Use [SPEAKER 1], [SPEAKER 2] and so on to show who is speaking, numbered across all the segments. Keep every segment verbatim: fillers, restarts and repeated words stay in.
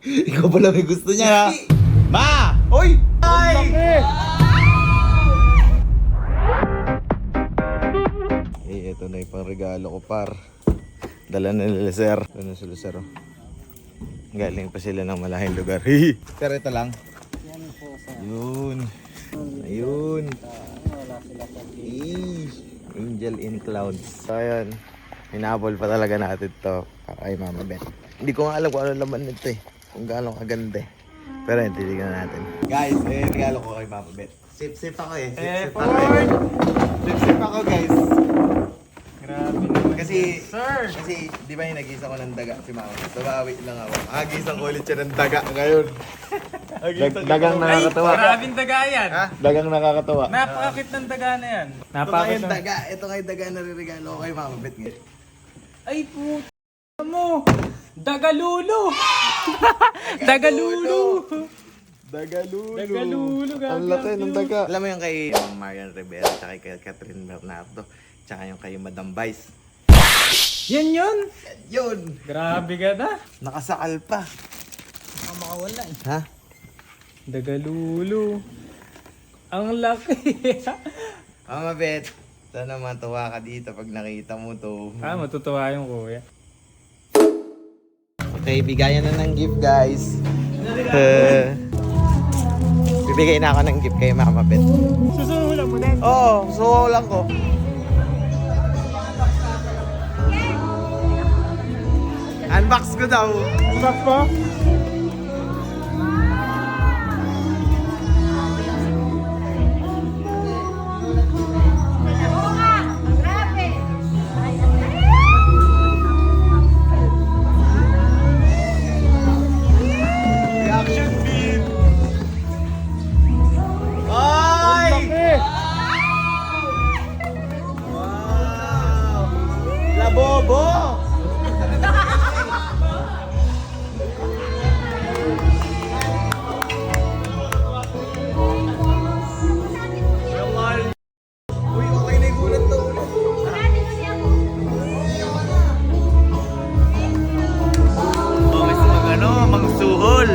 [SPEAKER 1] Ikaw pala may gusto niya ha. Ma!
[SPEAKER 2] Oy! Ay!
[SPEAKER 1] Eh, ito na yung pang regalo ko par. Dala na nila sir. Ano sila sir oh. Galing pa sila ng malahing lugar. Pero ito lang. Yun. Ayun. Eh, Angel in Clouds. So ayun. Hinabol pa talaga natin to para kay Mama Beth. Hindi ko nga alam kung ano laman nito eh. Kung gaano kaganda eh. Pero yun, titignan natin. Guys, eh, regalo ko kay Mama Beth. Sip-sip ako eh. Sip-sip ako eh. Sip-sip ako guys.
[SPEAKER 2] Grabe naman.
[SPEAKER 1] Kasi,
[SPEAKER 2] Sir!
[SPEAKER 1] kasi di ba yung nag-isa ko ng daga si Mama? Sabawi lang ako. Agisang ulit siya ng daga ngayon.
[SPEAKER 3] Dag- dagang nakakatawa.
[SPEAKER 2] Grabing daga yan.
[SPEAKER 1] Ha?
[SPEAKER 3] Dagang nakakatawa.
[SPEAKER 2] Napakakit ng daga na yan.
[SPEAKER 1] Ito nga
[SPEAKER 2] Napakakit
[SPEAKER 1] yung
[SPEAKER 2] ng...
[SPEAKER 1] daga. Ito nga yung daga na ririgalo ko kay Mama Beth ngayon.
[SPEAKER 2] Ay puta mo! Dagalulo! Dagalulo!
[SPEAKER 3] Dagalulo.
[SPEAKER 2] Dagalulo,
[SPEAKER 3] Ang laki ng daga.
[SPEAKER 1] Alam mo yung kay Marian Rivera, tsaka kay Catherine Bernardo, tsaka yung kay Madam Vice.
[SPEAKER 2] Yan yun!
[SPEAKER 1] Yun!
[SPEAKER 2] Grabe ka na!
[SPEAKER 1] Nakasakal pa.
[SPEAKER 2] Baka makawala eh.
[SPEAKER 1] Ha?
[SPEAKER 2] Dagalulo. Ang laki.
[SPEAKER 1] Mama Beth, sana matuwa ka dito pag nakita mo to.
[SPEAKER 2] ah, matutuwa yung kuya.
[SPEAKER 1] Okay, bigayan na ng gift guys. Uh, bibigay na ako ng gift kay Mama Beth.
[SPEAKER 2] Susuhulan mo din.
[SPEAKER 1] Oo, oh, so lang ko. Unbox ko daw.
[SPEAKER 2] Unbox po?
[SPEAKER 1] Reaction beat. Ay! Wow! Labobo! Uy, okay na yung gulat to ulit. Oh, gusto mag ano, magsuhol.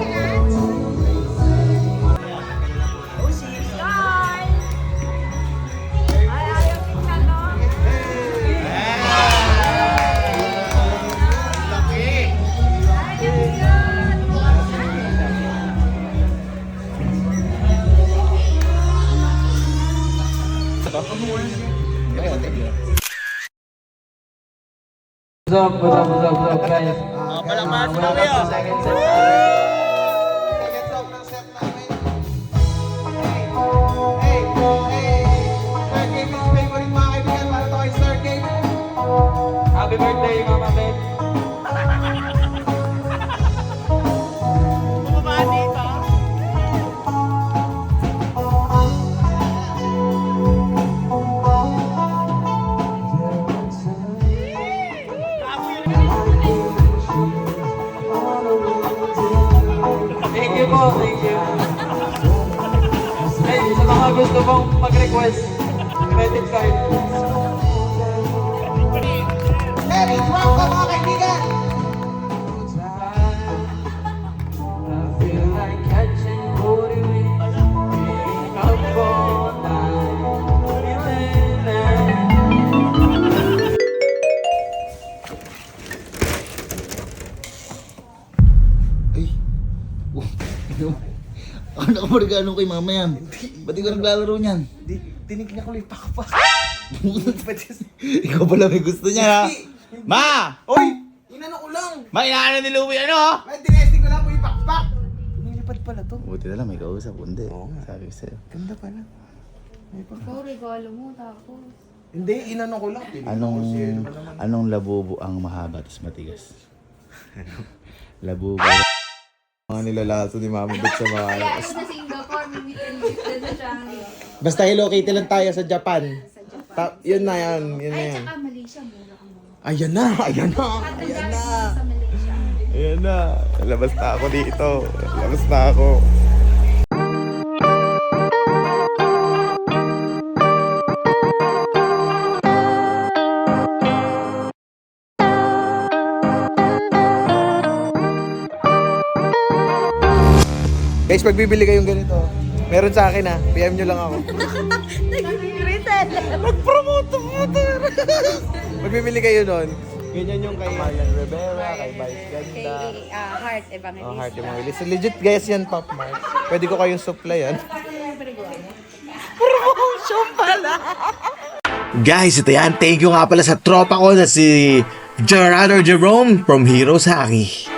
[SPEAKER 4] What's up, what's up, what's up, what's up, guys?
[SPEAKER 1] Ah, palakpakan mo
[SPEAKER 4] welcome
[SPEAKER 1] kayo.
[SPEAKER 4] to second set.
[SPEAKER 1] Second song ng set namin. Hey, hey, Sir Gaming's favorite mga kaibigan para to kay Sir Game.
[SPEAKER 4] Happy birthday, Mama Beth. Thank you po, thank you. Hey, sa mga gusto pong mag-request, credit card.
[SPEAKER 1] Hey, welcome mga kaibigan.
[SPEAKER 4] I feel like catching booty with up all night.
[SPEAKER 5] Ay. Oh, ano? Ano ka marigalo kay mama yan? Ba't ikaw naglalaro niyan?
[SPEAKER 1] Di, tinignan ko lang pa pa.
[SPEAKER 5] Ikaw pala may gusto niya ha? Ma!
[SPEAKER 1] Oy! Inano ko lang.
[SPEAKER 5] Ma, inaano ni Louie ano?
[SPEAKER 1] May tinesting ko lang po yung pakpak. Nilipad pala to.
[SPEAKER 5] Buti na lang may kausap, hindi.
[SPEAKER 1] Oo nga.
[SPEAKER 5] Sabi ko sa'yo.
[SPEAKER 1] Ganda pala. May pakpak.
[SPEAKER 6] Ikaw, regalo mo, tapos.
[SPEAKER 1] Hindi, inano ko lang. Tinignan
[SPEAKER 5] Anong,
[SPEAKER 1] ko siya, ano naman.
[SPEAKER 5] anong labubo ang mahaba at matigas? Labubo.
[SPEAKER 1] Mga nilalaso ni Mama Beth sa mga...
[SPEAKER 6] Kaya ako sa Singapore, may meet and greet na siya.
[SPEAKER 1] Basta Hello Kitty lang tayo sa Japan.
[SPEAKER 6] Sa Japan.
[SPEAKER 1] Ta- yun na yan, yun na
[SPEAKER 6] Ay,
[SPEAKER 1] yan.
[SPEAKER 6] tsaka Malaysia, mura ka mo.
[SPEAKER 1] Ayan na, ayan na,
[SPEAKER 6] At
[SPEAKER 1] ayan
[SPEAKER 6] ang
[SPEAKER 1] na.
[SPEAKER 6] sa Malaysia.
[SPEAKER 1] Ayan na. Labas na ako dito. Labas na ako. Guys, pag bibili kayong ganito, meron sa akin ha. P M nyo lang ako. Nag-promote ang motor. Pag bibili kayo nun, ganyan yung kay Marian Rivera, kay Vice Ganda.
[SPEAKER 6] Kay ah, Heart Evangelist.
[SPEAKER 1] Oh, Heart Evangelist. So, legit guys yan, Pop Mart. Pwede ko kayong supply yan. Promotion pala! Guys, ito yan. Thank you nga pala sa tropa ko na si Gerardo Jerome from Heroes Hockey.